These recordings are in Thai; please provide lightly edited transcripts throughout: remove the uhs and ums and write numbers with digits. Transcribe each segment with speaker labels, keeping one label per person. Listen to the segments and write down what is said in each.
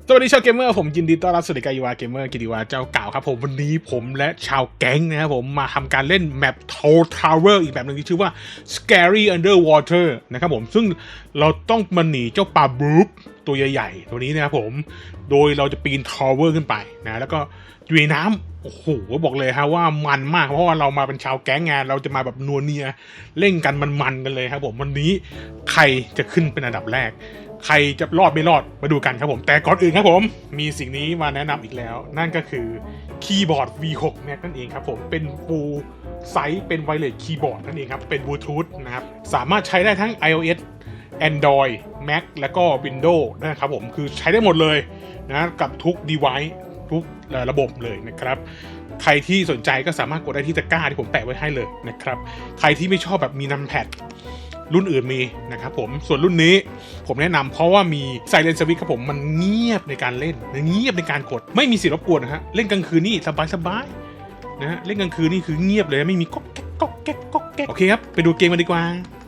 Speaker 1: สวัสดีชาวเกมเมอร์ผมยินดีต้อนรับสู่รายการอีวาเกมเมอร์กิติวาเจ้าเก่าครับผมวันนี้ผมและชาวแก๊งนะครับผมมาทำการเล่นแมป Tower อีกแบบหนึ่งที่ชื่อว่า Scary Underwater นะครับผมซึ่งเราต้องมาหนีเจ้าปลาบลูปตัวใหญ่ๆตัวนี้นะครับผมโดยเราจะปีน Tower ขึ้นไปนะแล้วก็อยู่ในน้ำโอ้โหบอกเลยฮะว่ามันมากเพราะว่าเรามาเป็นชาวแก๊งงานเราจะมาแบบนัวเนียเล่นกันมันๆกันเลยครับผมวันนี้ใครจะขึ้นเป็นอันดับแรกใครจะรอดไม่รอดมาดูกันครับผมแต่ก่อนอื่นครับผมมีสิ่งนี้มาแนะนำอีกแล้วนั่นก็คือคีย์บอร์ด V6 Max นั่นเองครับผมเป็น Full Size เป็น Wireless Keyboard นั่นเองครับเป็น Bluetooth นะครับสามารถใช้ได้ทั้ง iOS Android Mac แล้วก็ Windows นะครับผมคือใช้ได้หมดเลยนะกับทุก device ทุกระบบเลยนะครับใครที่สนใจก็สามารถกดได้ที่ตะกร้าที่ผมแปะไว้ให้เลยนะครับใครที่ไม่ชอบแบบมีนัมแพดรุ่นอื่นมีนะครับผมส่วนรุ่นนี้ผมแนะนำเพราะว่ามี Silent Switch ครับผมมันเงียบในการเล่นเงียบในการกดไม่มีเสียงรบกวนนะฮะเล่นกลางคืนนี่สบายๆนะฮะเล่นกลางคืนนี่คือเงียบเลยไม่มีก๊อกแก๊กก๊อกแก๊กก๊อกแก๊กโอเคครับไปดูเกมกันดีกว่า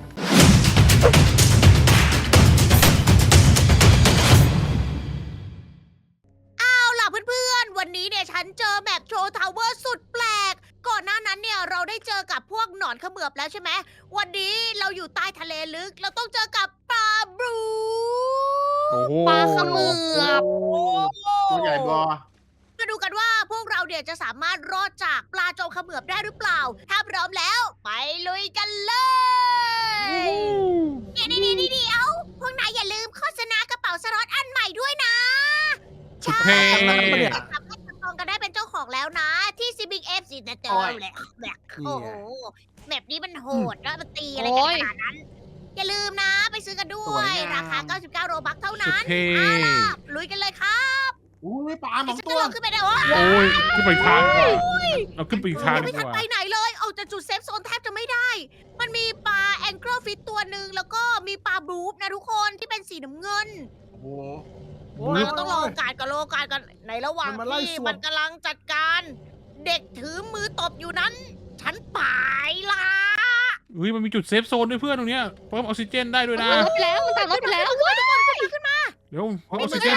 Speaker 2: วันนี้เนี่ยฉันเจอแมปโชว์ทาวเวอร์สุดแปลกก่อนหน้านั้นเนี่ยเราได้เจอกับพวกหนอนเขมือบแล้วใช่ไหมวันนี้เราอยู่ใต้ทะเลลึกเราต้องเจอกับปลาบลู
Speaker 3: ปลาเขมือบ
Speaker 4: ตัวใหญ่บอ
Speaker 2: มาดูกันว่าพวกเราเนี่ยจะสามารถรอดจากปลาโจงเขมือบได้หรือเปล่าถ้าพร้อมแล้วไปลุยกันเลยเดี๋ยวพวกนายอย่าลืมโฆษณากระเป๋าสล็อตอันใหม่ด้วยนะใช่สามารถจองกันได้เป็นเจ้าของแล้วนะที่ซิบิงเอฟซีเจอแหละแบบโอ้โหแมปนี้มันโหดแล้วมันตีอะไรกันขนาดนั้นอย่าลืมนะไปซื้อกันด้วยราคา99โรบัคเท่านั้นเอาล่ะลุยกันเลยครับ
Speaker 4: อุ้ยปลาสองตัว
Speaker 2: ขึ้นไปได้วะ
Speaker 1: โอ้ยขึ้นไปอีกทางดีกว่าเราขึ้นไปอีกทางดี
Speaker 2: ไม่ทัน
Speaker 1: กว่า
Speaker 2: ไปไหนเลยเอาจากจุดเซฟโซนแทบจะไม่ได้มันมีปลาแองเกิลฟิตตัวหนึ่งแล้วก็มีปลาบลูฟนะทุกคนที่เป็นสีน้ำเงิน
Speaker 4: โอ้โห
Speaker 2: เราต้องรอโอกาสกันในระหว่างที่มันกำลังจัดการเด็กถือมือตบอยู่นั้นฉันไปละ
Speaker 1: อุ้ยมันมีจุดเซฟโซนด้วยเพื่อนตรงเนี้ยเพิ่มออกซิเจนได้ด้วยนะ
Speaker 3: รถไปแล้วมันตัดรถไปแล้วว้าย
Speaker 2: ขึ้นมา
Speaker 1: เดี๋ยวเพิ่มออกซิเจน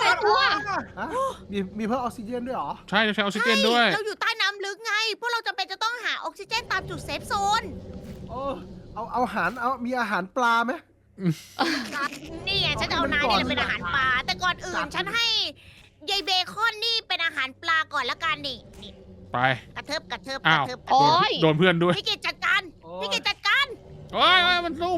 Speaker 4: มีเพิ่มออกซิเจนด้วยเหรอ
Speaker 1: ใช่ใช้ออกซิเจนด้วย
Speaker 2: เราอยู่ใต้น้ำลึกไงพวกเราจำเป็นจะต้องหาออกซิเจนตามจุดเซฟโซน
Speaker 4: เอาอาหารมีอาหารปลาไหม
Speaker 2: นี่ไงฉันจะเอานายนี่เป็นอาหารปลาแต่ก่อนอื่นฉันให้ยายเบคอนนี่เป็นอาหารปลาก่อนละกันนี่
Speaker 1: ไป
Speaker 2: กระเทิบ
Speaker 1: โอ้ยโดนเพื่อนด้วย
Speaker 2: พี่กิจจัดการโ
Speaker 1: อ้ยมันสู้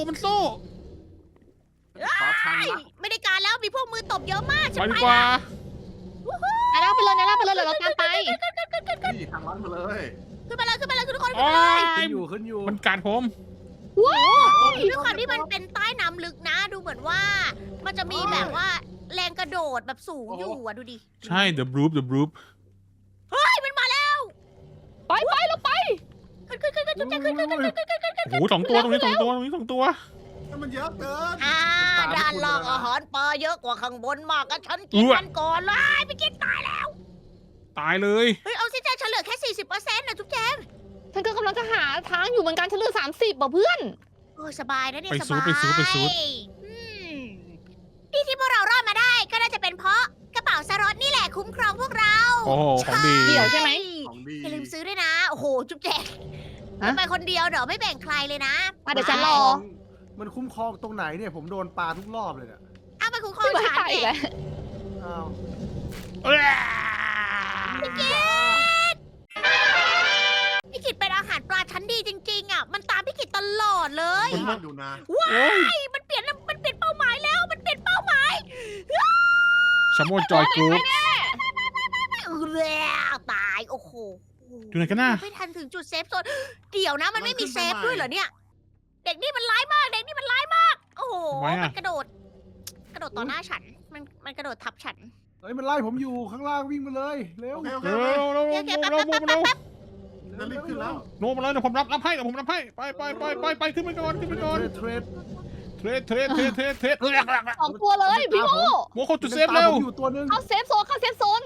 Speaker 2: ไม่ได้การแล้วมีพวกมือตบเยอะมาก
Speaker 1: ไปดีกว่า
Speaker 3: นาไปเลยเราตามไป
Speaker 4: นี่ทางลัดมาเลย
Speaker 2: ขึ้นไปเลยทุกคน
Speaker 4: ขึ้นอยู่
Speaker 1: มันกัดผม
Speaker 2: ว้าวด้วยความที่มันเป็นใต้น้ำลึกนะดูเหมือนว่ามันจะมีแบบว่าแรงกระโดดแบบสูงอยู่อ่ะดูดิ
Speaker 1: ใช่ the bloop
Speaker 2: เฮ้ยมันมาแล้ว
Speaker 3: ไปเราไป
Speaker 2: ขึ้น
Speaker 1: โอ้โห2 ตัวตรงนี้2 ตัว
Speaker 4: มันเยอะเกิน
Speaker 2: ด้านล่างอาหารปลาเยอะกว่าข้างบนมากก็ฉันกินมันก่อนเลยไปกินตายแล้ว
Speaker 1: ตายเลย
Speaker 2: เฮ้ยเอาซิเจนฉันเหลือแค่ 40%นะจุ๊บแจง
Speaker 3: ฉันก็กำลังจะหาทางอยู่เหมือนกันฉันเหลือ30เพื่อน
Speaker 2: โอ้สบายนะเนี่ย
Speaker 1: สบายไปซู
Speaker 2: นี่ที่พวกเรารอดมาได้ก็น่าจะเป็นเพราะกระเป๋าสล็อตนี่แหละคุ้มครองพวกเรา
Speaker 1: โอ้ของดี
Speaker 3: เดี๋ยวใช่ไหม
Speaker 2: อย่าลืมซื้อด้วยนะโอ้โหจุ๊บแจงไปคนเดียวเดี๋ยวไม่แบ่งใครเลยนะ
Speaker 3: เดี๋ยวฉันรอ
Speaker 4: มันคุ้มครองตรงไหนเนี่ยผมโดนปลาทุกรอบเลยเนี่ย
Speaker 2: ไปคุ้มครองฉัน
Speaker 3: เลย
Speaker 2: พี่กิตเป็นอาหารปลาชั้นดีจริงๆอ่ะมันตามพี่กิตตลอดเลย
Speaker 4: ดูนะ
Speaker 2: ว้ายมันเปลี่ยนเป้าหมายแล้วมันเปลี่ยนเป้าหมาย
Speaker 1: ชาโมจอยกรุ๊ป
Speaker 2: ตายโอ้โห
Speaker 1: อยู่ไหนกันน่ะ
Speaker 2: ไม่ทันถึงจุดเซฟโซนเดี๋ยวนะมันไม่มีเซฟด้วยเหรอเนี่ยเด็กนี่มันร้ายมากโอ้โหมันกระโดดต่อหน้าฉันมันกระโดดทับฉัน
Speaker 4: เฮ้ยมันไล่ผมอยู่ข้างล่างวิ่งมาเลยเร็วรีบขึ้นแล้ว
Speaker 1: โน้มมาเลยเดี๋ยวผมรับให้ไปขึ้นไปก่อน
Speaker 4: เทรด
Speaker 3: 2 ตัวเลยพี่โม
Speaker 1: เข้าจุดเซฟเร็ว
Speaker 3: เข้าเซฟโซน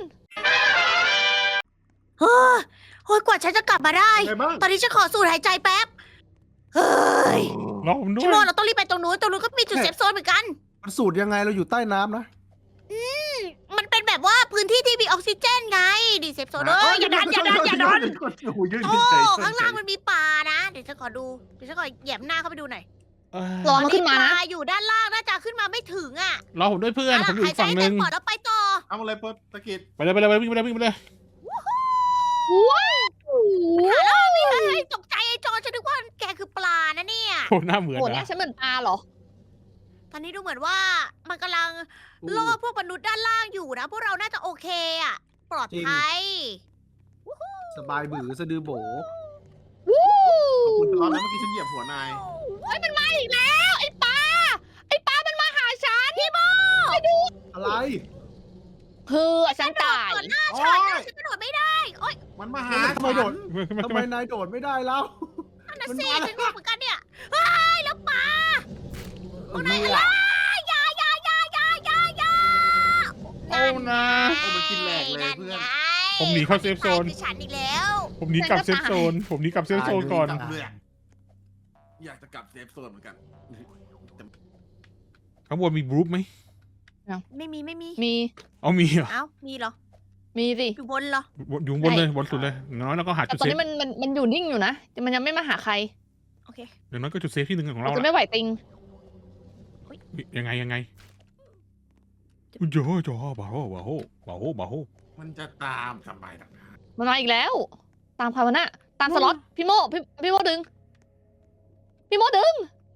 Speaker 2: โอ้ยกว่าฉันจะกลับมาได้ตอนนี้ฉันขอสูดหายใจแป๊บเฮ้ยชิโมเราต้องรีบไปตรงนู้นก็มีจุดเซฟโซนเหมือนกัน
Speaker 4: มันสูดยังไงเราอยู่ใต้น้ำนะ
Speaker 2: เป็นแบบว่าพื้นที่ที่มีออกซิเจนไงดิเซฟโซนอย่าดันอย่าดันอย่าดัน
Speaker 4: โอ้โหยืน
Speaker 2: โอ้
Speaker 4: เฉยๆ
Speaker 2: ข้างล่างมันมีปลานะเดี๋ยวฉันขอดูเดี๋ยวฉันขอแหยมหน้าเข้าไปดูหน่อย
Speaker 3: รอมันขึ้นมา
Speaker 2: ป
Speaker 3: นะ
Speaker 2: ลาอยู่ด้านล่างน่าจะขึ้นมาไม่ถึงอ่ะ
Speaker 1: รอผมด้วยเพื่อนผมอยู่อีกฝั่งหนึ่ง
Speaker 2: หายใจให้เต็มปอดแล้วไปต่อ
Speaker 5: เอาอะไรเปิดตะกิด
Speaker 1: ไปเลยไปเลยวิ่งไปเลยวิ่งไปเลย
Speaker 3: ว้าว
Speaker 2: เฮ้ยตกใจไอ้จอฉันนึกว่าแกคือปลานะเนี่ย
Speaker 1: โอ้หน้าเหมือน
Speaker 3: โหเนี่
Speaker 1: นะ
Speaker 3: ยฉันเหมือนปลาเหรอ
Speaker 2: ตอนนี้ดูเหมือนว่ามันกำลังล่อพวกมนุษย์ด้านล่างอยู่นะ พวกเราน่าจะโอเคอ่ะ ปลอดภัย
Speaker 4: สบายบือสะดือโบ
Speaker 3: วู้
Speaker 5: ขอบคุณตลอดนะเมื่อกี้ฉันเหยียบหัวนาย
Speaker 3: เฮ้ยมันมาอีกแล้วไอ้ปลามันมาหาฉันพี่โม
Speaker 4: อะไร
Speaker 3: คือฉันตาย
Speaker 2: ก่อนหน้า
Speaker 5: โอ้
Speaker 2: ฉัน
Speaker 5: ย
Speaker 2: นะฉันกระโดดไม่ได้โอ๊ย
Speaker 5: มันมาหา
Speaker 4: ทำไมโดด
Speaker 1: ขึ้นมา
Speaker 4: ทำ
Speaker 1: ขึ้น
Speaker 4: ไม
Speaker 1: มาน
Speaker 4: ายโดดไม่ได้แล้ว
Speaker 2: นั่นน่ะ
Speaker 4: มัน
Speaker 2: สิ
Speaker 4: มา
Speaker 2: ฉันงงเหมือนกันเนี่ยเฮ้ยแล้วปลา
Speaker 4: เออ
Speaker 2: ไหนล่ะยายายายายายา
Speaker 1: โอ้นะ
Speaker 5: โอ้มันกินแหลกเลยเพื่อน
Speaker 1: ผมหนีเข้าเซฟโซน
Speaker 2: คือฉันอีกแล้ว
Speaker 1: ผมหนีกลับเซฟโซนผมหนีกลับเซฟโซนก่อน
Speaker 5: เบื่ออยากจะกลับเซฟโซนเหมือนกัน
Speaker 1: ข้างบนมีบรูปไหม
Speaker 2: ไม่มี
Speaker 3: มี
Speaker 1: เอามีเหรอ
Speaker 2: เอ้ามีเหรอ
Speaker 3: มีสิ
Speaker 2: อยู่บนเหรอ
Speaker 1: อยู่บนเลยบนสุดเลยอย่างน้อยแล้วก็หา
Speaker 3: แต่
Speaker 1: จุด
Speaker 3: ตอน
Speaker 1: เซฟ
Speaker 3: นี้มันอยู่นิ่งอยู่นะแต่มันยังไม่มาหาใคร
Speaker 2: โอเค
Speaker 1: อย่างน้อยก็จุดเซฟที่หนึ่งของ
Speaker 3: เรา
Speaker 1: เรา
Speaker 3: จะ
Speaker 1: ละ
Speaker 3: ไม่ไหวติง
Speaker 1: ยังไงอุ้ยเยอะจ้าบ้าโหบ้าโหบ้าโหบ้าโห
Speaker 5: มันจะตามทำไมล่ะ
Speaker 3: มันมาอีกแล้ว ตามใครวะน่ะตามสล็อตพี่โมพี่โมดึงพี่โมดึง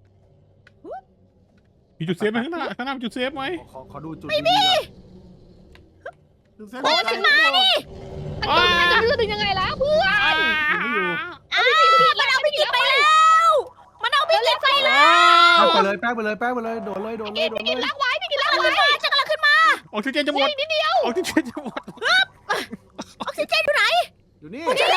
Speaker 1: มีจุดเซฟไหมข้างหน้ามีจุดเซฟไหม
Speaker 4: ขอดูจุดไม่มี
Speaker 3: โอ้ฉันมาดิมันจะดึงยังไงแล้วเพื่อน
Speaker 4: ไม่อยู่
Speaker 2: อ้าวมันเอาพี่กินไปแล้ว มันเอาพี่กินไปแล้ว
Speaker 4: แป้งไปเลยแป้งไปเลยแป้งไปเลยโดดเลยโดดเลยโดด
Speaker 3: พี่กิน
Speaker 4: เลย
Speaker 3: ลากไว้พี่กินลากไว้
Speaker 2: ฉันกำลังขึ้นมา
Speaker 1: ออกซิเจนจะหมด
Speaker 3: นิดเดียว
Speaker 1: ออกซิเจนจะหมด
Speaker 2: ออกซิเจนอยู่ไหน
Speaker 4: อยู่นี่
Speaker 3: นี่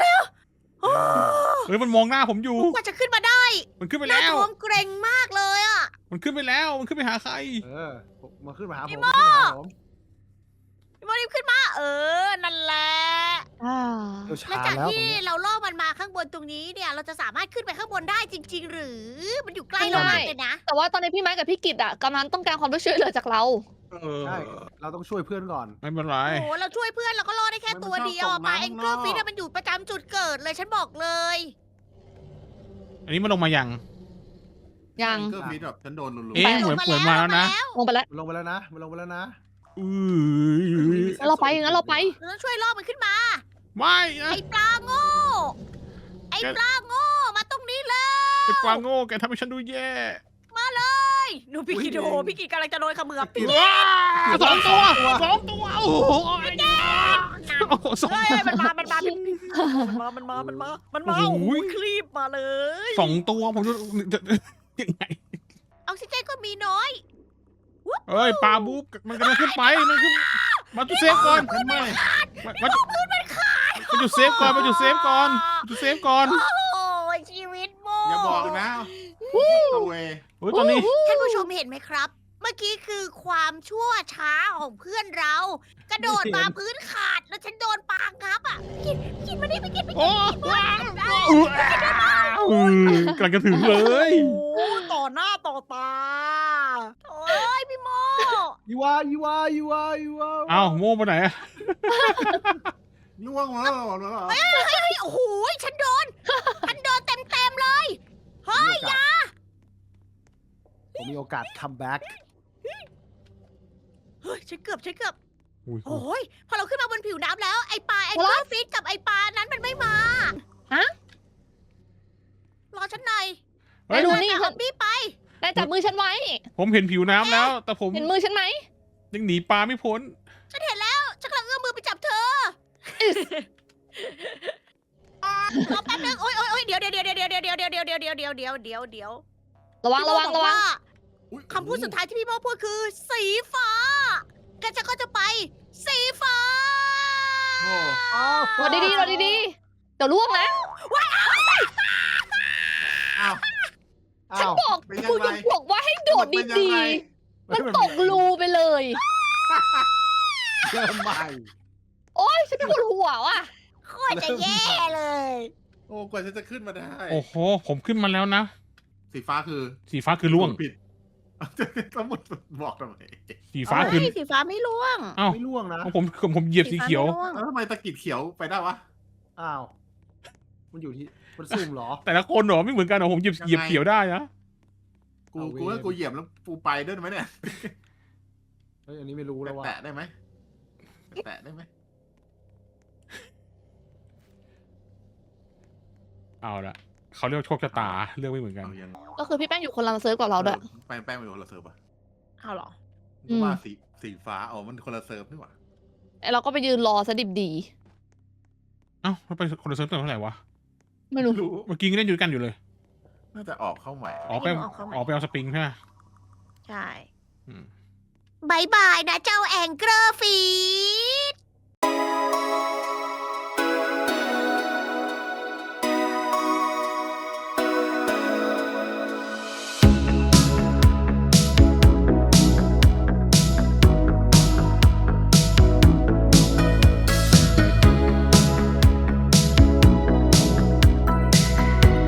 Speaker 1: เฮ้ยมันมองหน้าผมอยู่
Speaker 2: กว่าจะขึ้นมาได้
Speaker 1: มันขึ้นไป
Speaker 2: หน้า
Speaker 1: แล้ว
Speaker 2: ท้องเกรงมากเลยอ่ะ
Speaker 1: มันขึ้นไปแล้วมันขึ้นไปหาใคร
Speaker 4: มาขึ้นมาหาผม
Speaker 2: พี่โม่ พี่โมรีบขึ้นมา นั่นแหละ
Speaker 4: เดี๋ยว
Speaker 2: หลัง
Speaker 4: ช้า
Speaker 2: จาก
Speaker 4: แล้ว
Speaker 2: ที่เราล่อมันมาข้างบนตรงนี้เนี่ย เราจะสามารถขึ้นไปข้างบนได้จริง ๆ หรือ มันอยู่ใกล้เรามากเลยนะ
Speaker 3: แต่ว่าตอนนี้พี่ไม้กับพี่กิตอ่ะกำลังต้องการความช่วยเหลือจากเรา
Speaker 4: ใช่เราต้องช่วยเพื่อนก่อน
Speaker 1: ไม่เป็นไร
Speaker 2: โอ้โหเราช่วยเพื่อนเราก็รอดได้แค่ตัวเดียวอะปลาแองเกิลฟิชมันอยู่ประจำจุดเกิดเลยฉันบอกเลย
Speaker 1: อันนี้มันลงมายัง
Speaker 3: ยัง
Speaker 5: ก็มีแบบฉันโดนลุลุ
Speaker 1: เอ๊ะ เหมือนมาแล้วนะ
Speaker 3: ลงไปแล้ว
Speaker 4: มันลงไปแล้วนะมันลงไปแล้วนะ
Speaker 3: งั้นเราไปงั้นเราไป
Speaker 2: เราต้องช่วยล่อมันขึ้นมา
Speaker 1: ไม่นะ
Speaker 2: ไอ้ปลาโง่ ไอ้ปลาโง่ มาตรงนี้เลย
Speaker 1: ไอ้ปลาโง่แกทำให้ฉันดูแย่
Speaker 2: หนูพี่กิโดพี่กิกำลังจะโดนเขมือบพี่
Speaker 1: ว้าสองตัวโอ้โหโอ้โหสอง
Speaker 2: เฮ้ยมันมามันมาโอ้โหคลีบมาเลย
Speaker 1: สองตัวผมจะยังไง
Speaker 2: ออกซิเจนก็มีน้อย
Speaker 1: เอ้ยปลาบุ๊กมันกำลังขึ้นไปมันขึ้นมาจุดเซฟก่อน
Speaker 5: ฉันไม่
Speaker 1: มาจุดเซฟก่อนมาจุดเซฟก่อนจุดเซฟก่อน
Speaker 2: โอ้ยชีวิตโม
Speaker 5: อย่าบอกนะตัวเว
Speaker 1: โอ้ยตอนนี้
Speaker 2: ท่านผู้ชมเห็นไหมครับ เมื่อกี้คือความชั่วช้าของเพื่อนเรา กระโดดมาพื้นขาดแล้วฉันโดนปางงับอ่ะกินมานี่ไปกิน
Speaker 1: โอ้ว้าวกำลังจะถึงเลย
Speaker 2: โอ้ต่อหน้าต่อตาโอ้ยพี่โม
Speaker 4: ยูวา
Speaker 1: เอ้าโม่ไปไหนอะ
Speaker 5: ล่วงมาแล้วเหรอ
Speaker 2: เฮ้ยโอ้โหฉันโดนเต็มเลยเฮ้ยอย่า
Speaker 4: ผมมีโอกาสคัมแบ็ก
Speaker 2: เฮ้ยฉันเกือบ
Speaker 1: อุ้ย
Speaker 2: โอ้ยพอเราขึ้นมาบนผิวน้ำแล้วไอปลาแองเกิลฟิชกับไอปลานั้นมันไม่มา
Speaker 3: ฮะ
Speaker 2: รอฉันหน่อย
Speaker 1: เฮ้ย
Speaker 3: ดู
Speaker 2: เดิ
Speaker 3: นี่
Speaker 2: ตามพี่ไป
Speaker 3: นายจับมือฉันไว้
Speaker 1: ผมเห็นผิวน้ำแล้ว แต่ผม
Speaker 3: เห็นมือฉันไหม
Speaker 1: ยังหนีปลาไม่พ้น
Speaker 2: ฉันเห็นแล้วฉันกำลังเอื้อมมือไปจับเธอรอแป๊บนึงโอ้ยเดี๋ยว
Speaker 3: ระวัง
Speaker 2: คำพูดสุดท้ายที่พี่โมพูดคือ สีฟ้ากันจะก็จะไป สีฟ้า
Speaker 5: โอ้
Speaker 3: รอดีๆเดี๋ยวล่วงนะ
Speaker 5: อ้าว
Speaker 3: ฉันบอก
Speaker 5: เป็นยังไง
Speaker 3: กูยังบอกว่าให้โดดดีๆ มันตกรูไปเลย
Speaker 4: เริ่มใหม่
Speaker 3: โอ๊ยฉันปวดหัวว่ะ
Speaker 2: โคตรจะแย่เลย
Speaker 5: โอ้กว่าฉันจะขึ้นมาได้
Speaker 1: โอ้โหผมขึ้นมาแล้วนะ
Speaker 5: สีฟ้าคือ
Speaker 1: สีฟ้าคือล่วง
Speaker 5: ผิดสมุดบอกทำไม
Speaker 1: สีฟ้าคือ
Speaker 2: เฮ้ยสีฟ้าไม่ร่วง
Speaker 1: อ้าว
Speaker 4: ไม่ล่วงนะ
Speaker 1: ผมเหยียบสีเขียว
Speaker 2: ฟ้าไม่ร่วง
Speaker 5: แล้วทำไมตะกิดเขียวไปได้วะ
Speaker 4: อ้าว มันอยู่ที่ มันซุ่มเหรอ
Speaker 1: แต่ละคนเหรอไม่เหมือนกันเหรอผมเหยียบเขียวได้นะ
Speaker 5: กูว่ากูเหยียบแล้วกูไปด้วยไหมเนี่ย
Speaker 4: เฮ้ย อันนี้ไม่รู้แล้วว่า
Speaker 5: แตะได้ไหมแตะได้ไหม
Speaker 1: เอาละเขาเรียกว่าโชคชะตาเรื่องไม่เหมือนกัน
Speaker 5: เอายัง
Speaker 3: ก็คือพี่แป้งอยู่คนละเซิร์ฟกับเราด้วย
Speaker 5: แป้งไปคนละเซิร์ฟอ่ะ
Speaker 2: เอาเหรอ
Speaker 5: ว่าสีฟ้าอ๋อมันคนละเซิร์ฟนี่หว่า
Speaker 3: เราก็ไปยืนรอซะดิบดี
Speaker 1: เอ้าเราไปคนละเซิร์ฟตั้งเท่าไหร่วะ
Speaker 3: ไม่รู้
Speaker 1: เมื่อกี้ยังเล่นอยู่ด้วยกันอยู่เลย
Speaker 5: น่าจะออกเข้าใหม่
Speaker 1: ออกไปเอาสปริงใช่ไหม
Speaker 2: ใช่
Speaker 1: อืม
Speaker 2: บายบายนะเจ้าแองเกอร์ฟิ